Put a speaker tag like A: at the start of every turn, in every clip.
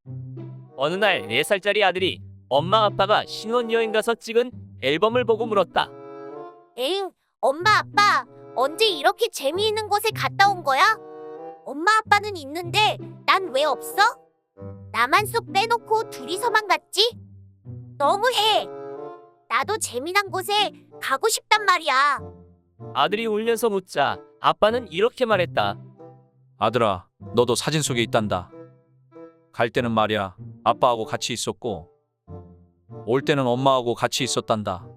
A: 어느 날 4살짜리 아들이 엄마 아빠가 신혼여행 가서 찍은 앨범을 보고 물었다.
B: 에잉, 엄마 아빠 언제 이렇게 재미있는 곳에 갔다 온 거야? 엄마 아빠는 있는데 난 왜 없어? 나만 쏙 빼놓고 둘이서만 갔지? 너무해. 나도 재미난 곳에 가고 싶단 말이야.
A: 아들이 울면서 묻자 아빠는 이렇게 말했다.
C: 아들아, 너도 사진 속에 있단다. 갈 때는 말이야, 아빠하고 같이 있었고, 올 때는 엄마하고 같이 있었단다.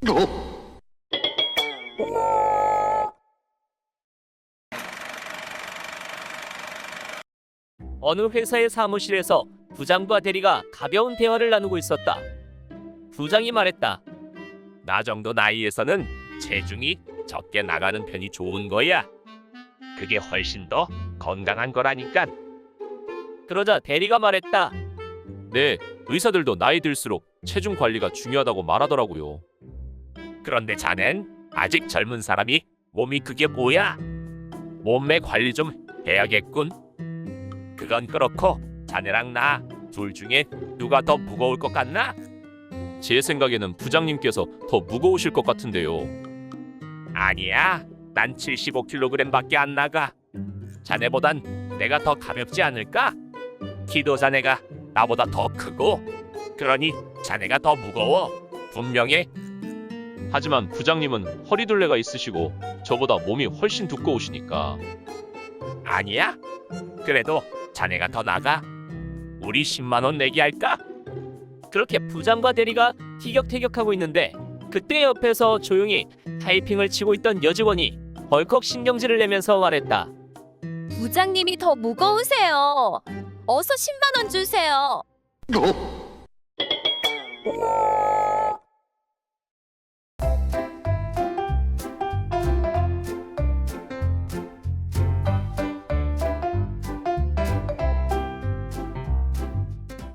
A: 어느 회사의 사무실에서 부장과 대리가 가벼운 대화를 나누고 있었다. 부장이 말했다.
D: 나 정도 나이에서는 체중이 적게 나가는 편이 좋은 거야. 그게 훨씬 더 건강한 거라니까.
A: 그러자 대리가 말했다.
C: 네, 의사들도 나이 들수록 체중 관리가 중요하다고 말하더라고요.
D: 그런데 자넨 아직 젊은 사람이 몸이 그게 뭐야? 몸매 관리 좀 해야겠군. 그건 그렇고 자네랑 나 둘 중에 누가 더 무거울 것 같나?
C: 제 생각에는 부장님께서 더 무거우실 것 같은데요.
D: 아니야. 난 75kg밖에 안 나가. 자네보단 내가 더 가볍지 않을까? 키도 자네가 나보다 더 크고 그러니 자네가 더 무거워. 분명해.
C: 하지만 부장님은 허리둘레가 있으시고 저보다 몸이 훨씬 두꺼우시니까.
D: 아니야. 그래도 자네가 더 나가. 우리 10만 원 내기 할까?
A: 그렇게 부장과 대리가 티격태격하고 있는데 그때 옆에서 조용히 타이핑을 치고 있던 여직원이 벌컥 신경질을 내면서 말했다.
E: 부장님이 더 무거우세요. 어서 10만 원 주세요.